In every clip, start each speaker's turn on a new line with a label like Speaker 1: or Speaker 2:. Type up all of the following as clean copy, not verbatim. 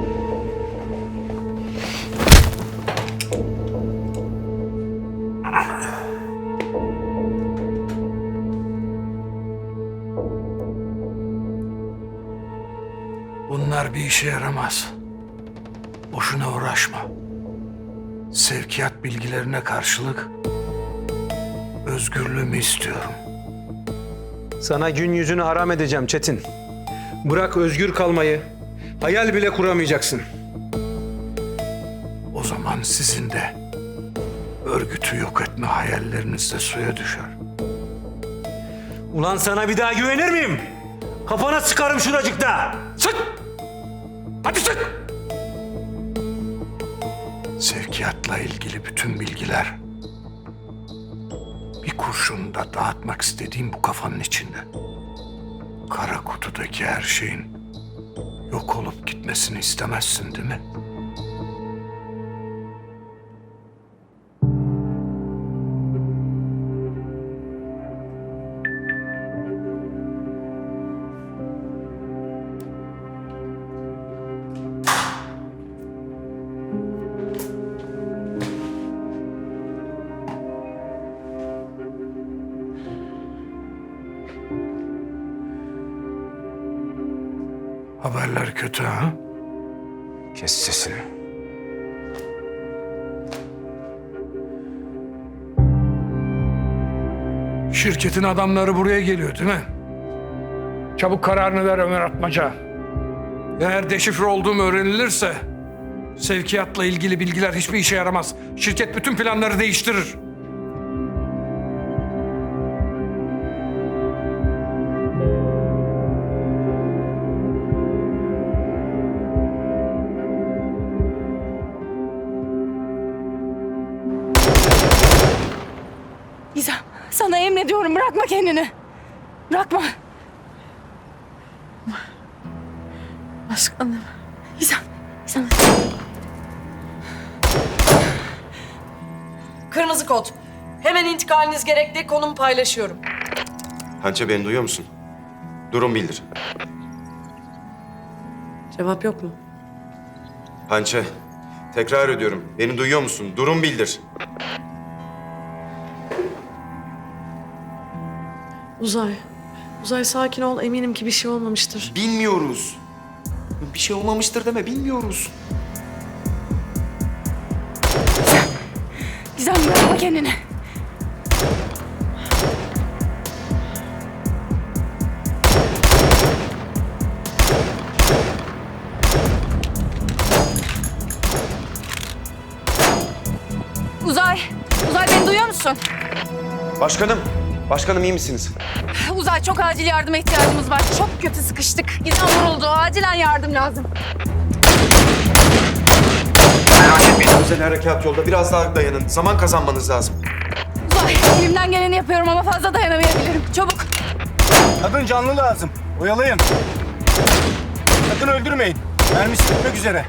Speaker 1: Bunlar bir işe yaramaz. Boşuna uğraşma. Sevkiyat bilgilerine karşılık özgürlüğümü istiyorum.
Speaker 2: Sana gün yüzünü haram edeceğim Çetin. Bırak özgür kalmayı. Hayal bile kuramayacaksın.
Speaker 1: O zaman sizin de örgütü yok etme hayalleriniz de suya düşer.
Speaker 2: Ulan sana bir daha güvenir miyim? Kafana sıkarım şuracıkta. Sık! Hadi sık!
Speaker 1: Sevkiyatla ilgili bütün bilgiler bir kurşunda dağıtmak istediğim bu kafanın içinde. Kara kutudaki her şeyin yok olup gitmesini istemezsin değil mi? Haberler kötü ha?
Speaker 2: Kes sesini.
Speaker 1: Şirketin adamları buraya geliyor değil mi? Çabuk kararını ver Ömer Atmaca. Eğer deşifre olduğum öğrenilirse sevkiyatla ilgili bilgiler hiçbir işe yaramaz. Şirket bütün planları değiştirir.
Speaker 3: Gizem, sana emrediyorum, bırakma kendini. Bırakma.
Speaker 4: Başkanım.
Speaker 3: Gizem, Gizem.
Speaker 5: Kırmızı kod. Hemen intikaliniz gerekli. Konumu paylaşıyorum.
Speaker 6: Hançe, beni duyuyor musun? Durum bildir.
Speaker 5: Cevap yok mu?
Speaker 6: Hançe, tekrar ediyorum. Beni duyuyor musun? Durum bildir.
Speaker 5: Uzay sakin ol. Eminim ki bir şey olmamıştır.
Speaker 6: Bilmiyoruz. Bir şey olmamıştır deme, bilmiyoruz.
Speaker 3: Gizem, bırakma kendini. Uzay, Uzay beni duyuyor musun?
Speaker 6: Başkanım iyi misiniz?
Speaker 3: Uzay, çok acil yardıma ihtiyacımız var. Çok kötü sıkıştık. Gizem vuruldu. Acilen yardım lazım.
Speaker 6: Özel harekat yolda, biraz daha dayanın. Zaman kazanmanız lazım.
Speaker 3: Uzay, elimden geleni yapıyorum ama fazla dayanamayabilirim. Çabuk.
Speaker 7: Kadın canlı lazım. Oyalayın. Sakın öldürmeyin. Mermisi bitmek üzere.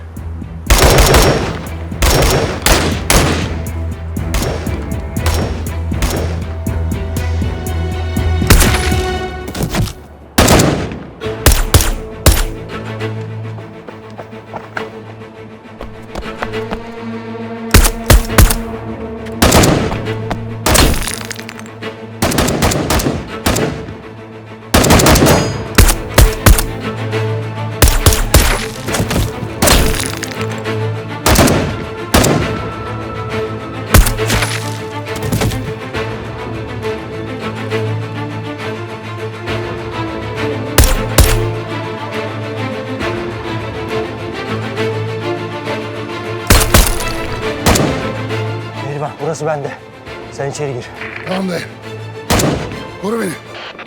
Speaker 8: Bak burası bende. Sen içeri gir.
Speaker 1: Tamam dayı. Koru beni.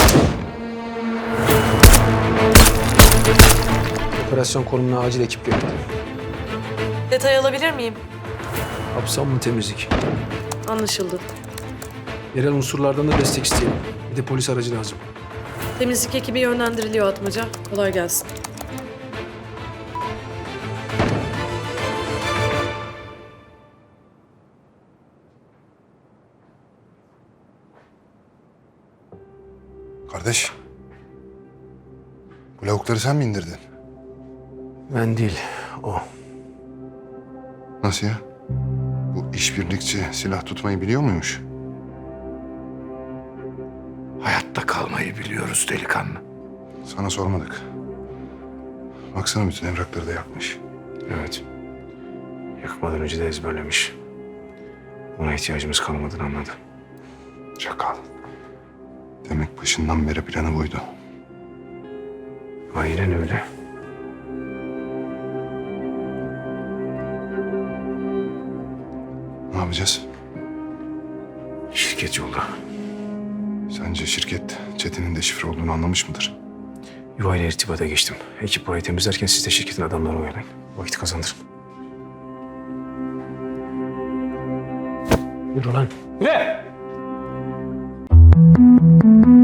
Speaker 2: Operasyon konumuna acil ekip geldi.
Speaker 5: Detay alabilir miyim?
Speaker 2: Hapsam mı temizlik?
Speaker 5: Anlaşıldı.
Speaker 2: Yerel unsurlardan da destek isteyelim. Bir de polis aracı lazım.
Speaker 5: Temizlik ekibi yönlendiriliyor Atmaca. Kolay gelsin.
Speaker 9: Kardeş, bu lavukları sen mi indirdin?
Speaker 2: Ben değil. o.
Speaker 4: Nasıl ya? Bu işbirlikçi silah tutmayı biliyor muymuş?
Speaker 1: Hayatta kalmayı biliyoruz delikanlı.
Speaker 4: Sana sormadık. Baksana bütün evrakları da yakmış.
Speaker 2: Evet. Yakmadan önce de ezberlemiş. Ona ihtiyacımız kalmadığını anladı.
Speaker 4: Çakal. Demek başından beri planı buydu.
Speaker 2: Aynen öyle.
Speaker 4: Ne yapacağız?
Speaker 2: Şirket yolda.
Speaker 4: Sence şirket Çetin'in deşifre olduğunu anlamış mıdır?
Speaker 2: Yuvayla irtibata geçtim. Ekip burayı temizlerken siz de şirketin adamlarını oyalayın. Vakit kazandırın. Yürü lan. Yürü!